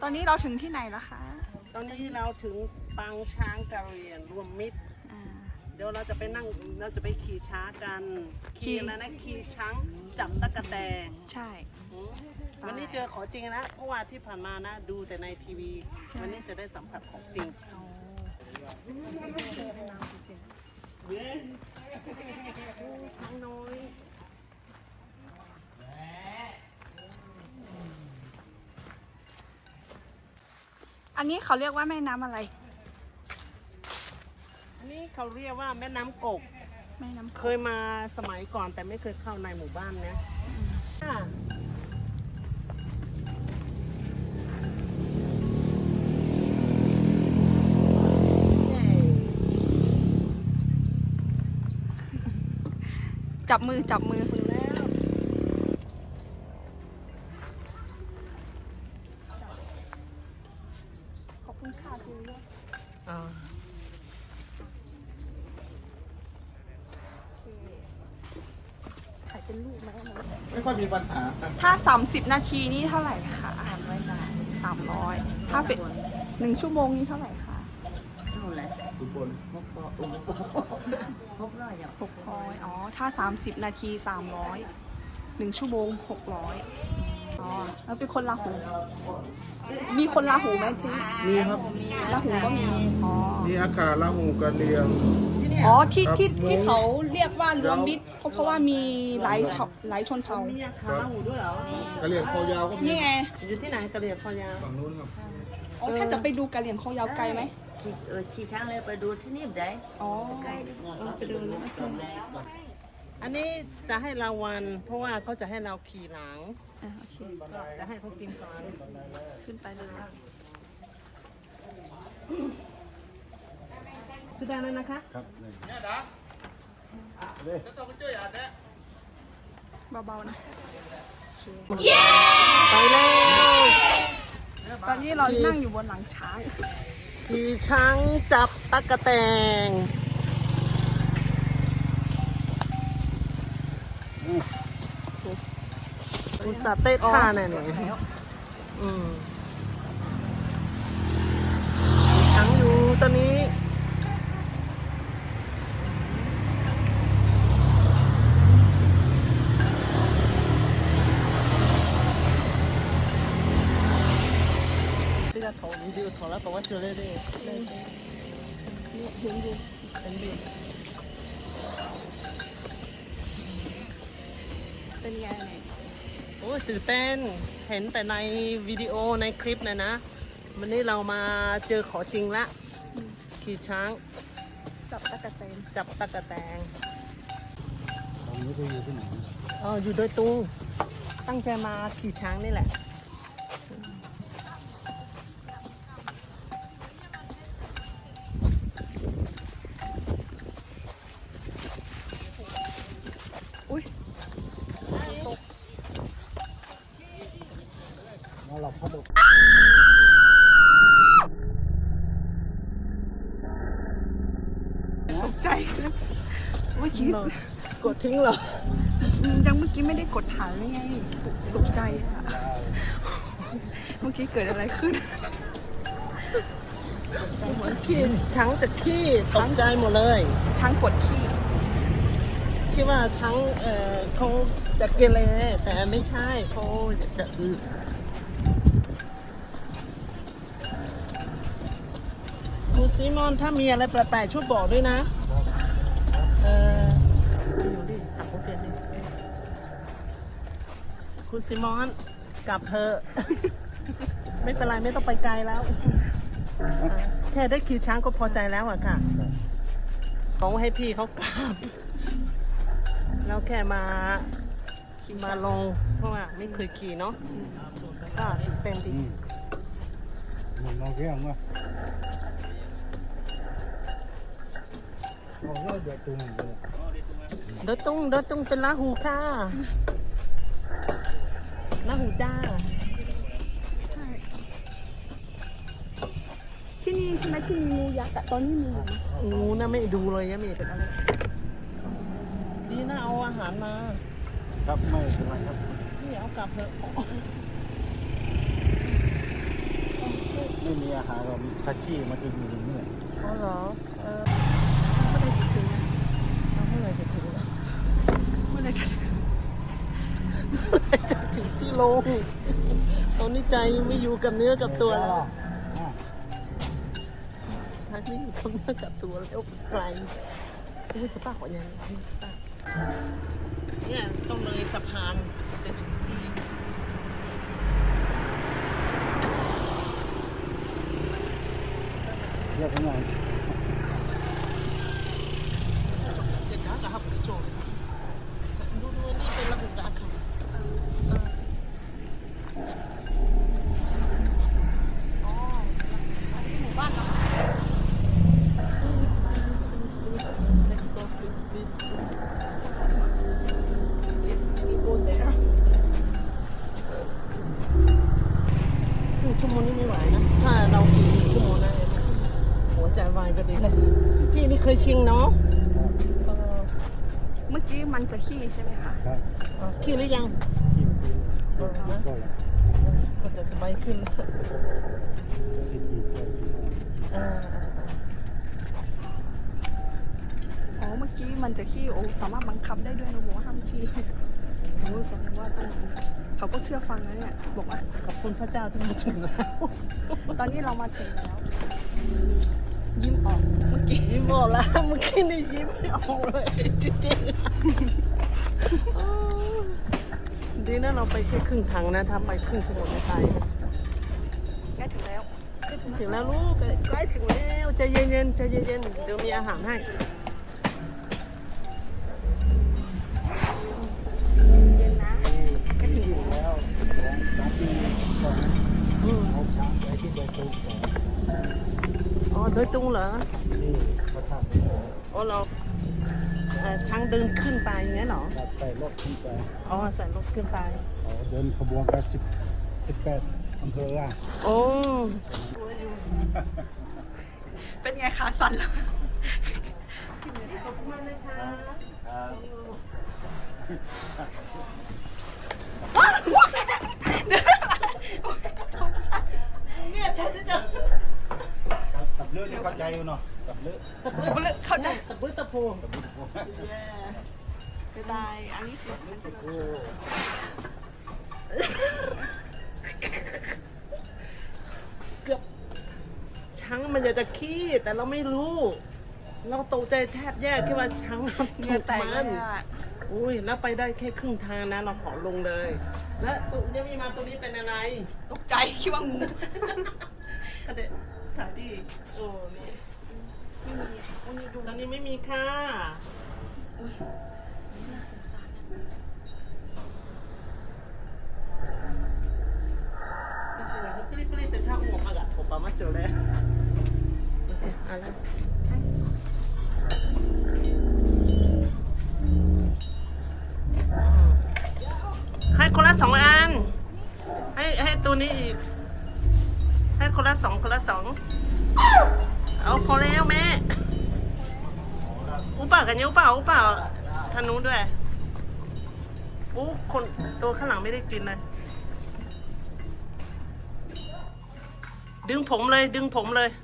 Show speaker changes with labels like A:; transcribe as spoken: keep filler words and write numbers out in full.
A: ตอนนี้เราถึงที่ไหนแล้วคะ
B: ตอนนี้เราถึงปางช้างกะเหรี่ยงรวมมิตรเดี๋ยวเราจะไปนั่งเราจะไปขี่ช้างกันขี่อะไรนะขี่ช้างจับตะกะแตน
A: ใช่
B: วันนี้เจอของจริงนะเพราะว่าที่ผ่านมานะดูแต่ในทีวีวันนี้จะได้สัมผัสของจริงช้างน้อย
A: อันนี้เขาเรียกว่าแม่น้ำอะไร
B: อันนี้เขาเรียกว่าแม่น้ำกก
A: แม่น้ำ
B: เคยมาสมัยก่อนแต่ไม่เคยเข้าในหมู่บ้านนะ
A: จับมือจับมือคุณแล้วขอบคุณค่ะคุณลูกถ่ายเป็นลูกไหม
C: ไม่ค่อยมีปัญหา
A: ถ้าสามสิบนาทีนี่เท่าไหร่คะสามร้อยบาทสามร้อยถ้าเป็นหนึ่งชั่วโมงนี่เท่าไหร่คะ
D: เท่าไหร่
C: ทุกคน
D: หกร้อยหกร้อยอย่าง
A: หกร้อยอ๋อถ้าสามสิบนาทีสามร้อยหนึ่งชั่วโมงหกร้อยอ๋อแล้วเป็นคนลาหูมีคนลาหูไหมที่
C: มีครับ
A: ลาหูก็มีอ๋อ
C: มีอาคาลาหูกะเรียง
A: อ๋อที่ที่ที่เขาเรียกว่ารวมมิตรเพราะว่ามีหลายชหลายชนเผ่า
B: มีอาคาลาหูด้วยเหรอกะ
C: ะเรียงคอยาวก็มี
A: นี่ไง
B: อยู่ที่ไหนกะเหรี่ยงคอยาว
C: ฝั่งนู้นครับ
A: อ๋อถ้าจะไปดูกะเหรี่ยงคอยาวไกลไหม
D: ขี่เออขี่ช้างเลยไปดูที่นี่ได้
A: อ๋อ
D: ใกล้
A: ไปดูนะ
B: อันนี้จะให้รางวัลเพราะว่าเขาจะให้เราขี่หลัง
A: อ่าโอเค
B: จะให้เขากินก่อน
A: ขึ้นไปเลย
B: คือได้แล้วนะคะ
C: ครับเนี่ยดาเลยจะต้องไปช่วยอ่านเนี่ย
A: เบาๆนะ
B: ไปเลย
A: ตอนนี้เรานั่งอยู่บนหลังช้าง
B: ขี่ช้างจับตั๊กแตนอุตส่าห์เต้นท่าเนี่ยเนี่ยอืมช้างอยู่ตอนนี้ถอวิดีโอถอแล้วบอกว่าเจอได้เลย
A: นี่เห็นดูเห็นดูเป็นไงเนี่ย
B: โอ้ตื่นเต้นเห็นแต่ในวิดีโอในคลิปนะนะวันนี้เรามาเจอขอจริงละขี่ช้าง
A: จับตะกะแตน
B: จับตะกะแตน
C: ตอนนี้ไปอยู่ที่ไหน
B: อ๋ออยู่โดยตรงตั้งใจมาขี่ช้างนี่แหละ
C: มาหลับพัดอก
A: ตกใจเมื่อกี้
B: กดทิ้งเหรอ
A: ยังเมื่อกี้ไม่ได้กดถ่ายเลยไงตกใจอะเมื่อกี้เกิดอะไรขึ้น
B: ตกใจหมดขี้ช้างจะขี้ตกใจหมดเลย
A: ช้างปวดขี้
B: คิดว่าช้างเอ่อเขาจะเกเรแต่ไม่ใช่เขาจะอือคุณซิมอนถ้ามีอะไรแปลกๆช่วยบอกด้วยนะเอออยู่ดิขับรถเปลี่ยนดิคุณซิมอนกลับเธอ ไม่เป็นไรไม่ต้องไปไกลแล้วแค่ได้ขี่ช้างก็พอใจแล้วอะค่ะเขาให้พี่เขากลับแล้วแค่มามาลงเพราะว่าไม่เคยขี่เนาะก็เต็มที่
C: เหมือนเราเรียกว่าเดือดตุ้ง
B: เดือดตุ้งเดือดตุ้งเป็นลาหูค่ะลาหูจ้า
A: ที่นี่ใช่ไหมที่มีงูยักษ์ตอนนี้มี
B: งูน่ะไม่ดูเลยยังไม่เป็นอะไรดีนะเอาอาหารมา
C: ครับไม่เป็นไรครับ
B: พี่เอากลับเถอะ
C: ไม่มีอาหารเราถ้าขี้มันจะอยู่ตรงนี้
B: อ๋อเหรอเออ
A: เมื่อไรจะถึงนะ
B: เอาเมื่อไหร่จะถึงอะ
A: เมื่อไรจะถึง
B: เมื่อไหร่จะถึงที่โรงตอนนี้ใจไม่อยู่กับเนื้อกับตัวแล้วทักไม่อยู่กับเนื้อกับตัวแล้วไกลรู้สึกปากกว่านี้รู้สึกปากเนี่ยต้องเลยสะพานจะถึงที่
C: เรียกยังไง
B: จะกล้ากับโจทย์ดูดูนี่เป็นระบบการค่ะ
A: อ๋ออันนี้หมู่บ้านเรา
B: Let's go please please please Let's go there ครึ่งชั่วโมงนี่ไม่ไหวนะ ถ้าเราอีกชั่วโมงได้เลยหัวใจวายก็ดีเลยพี่นี่เคยชิงเนาะเออ
A: เมื่อกี้มันจะขี้ใช่ไหมคะ
C: ครับ
B: เอาขี้หรือยัง
C: ขี้มันขี้เออนะก็แล้ว
B: ก็จะสบายขึ้นแล้ว
C: ขี้ขี้ก็ขี้
B: เออ
A: อ๋อ เมื่อกี้มันจะขี้โอ้สามารถบังคับได้ด้วยนะบอกว่าห้ามขี้โอ้แสดงว่าต้องเขาก็เชื่อฟังนะเนี่ย บอกว่า
B: ขอบคุณพระเจ้าที่มาถึงแล้ว
A: ตอนนี้เรามาถึงแล้ว ยิ้มออกเมื่อกี้
B: ยิ้มออกแล้วเมื่อกี้นี่ยิ้มไม่ออกเลยจริงๆอ๋อดีนะเราไปแค่ครึ่งทางนะถ้าไปครึ่งชั่วโมงไม่ตายนะ
A: ใกล้ถึงแล้ว
B: ถึงแล้วลูกใกล้ถึงแล้วใจเย็นๆใจเย็นๆเดี๋ยวมีอาหารให้
A: เย็นนะใกล้ถึงแล้ว
C: แล้วสองสามปีก่อน
B: อืม
C: เอาช้างไปที่โดยตรงก่อน
B: อ๋อโดยตรงเหรอ
C: นี่พระธาตุ
B: อ๋อเราเอ่อช้างเดินขึ้นไปอย่างนี้เหรอ
C: ครับใส่รถขึ้นไป
B: อ๋อใส่รถขึ้นไป
C: เขาเดินขบวนกันสิบสิบแปดอำเภออ่ะ
B: โอ้
A: เป็นไงขาสั่นแล้ว
B: ขอบคุณมากนะคะ
C: ครับ
B: เนี่ยแทนที่จะ
C: ครับตับเลือดนี่เข้าใจอยู่เนาะตับเลือด
B: ตะปื้อ
A: เข้าใจ
B: ตะปื้อตะโพ
C: ตับเลือดโอ้
A: บ๊ายบาย อันนี้คือฉันจะ
C: โห
B: เกือบช้างมันอยากจะขี้แต่เราไม่รู้ เราตกใจแทบแย่คิดว่าช้างมัน
A: เหงื่อแตก
B: มั
A: เลย
B: น
A: อ่ะ
B: อุ้ยแล้วไปได้แค่ครึ่งทางนะเราขอลงเลย และตัวยังมีมาตัวนี้เป็นอะไร
A: ตกใจคิดว่างู
B: กระเด็นถ่ายดิโอ้นี่
A: ไม่มีอ่ะวันนี้ดู
B: ตอนนี้ไม่มีค่ะ
A: อุ้ยน่าสงสารนะ
B: ก็คือว่าปลิ้ปลิ้แต่ถ้าหัวมากะถบปามาเจอแล้วโอเคเอะไรให้คนละสองอัน ให้ให้ตัวนี้อีก ให้คนละสองคนละสอง เอาพอแล้วแม่ อุปากันยังอุปาอุปาทางนู้นด้วยอู้คนตัวข้างหลังไม่ได้กินเลย ดึงผมเลย ดึงผมเลย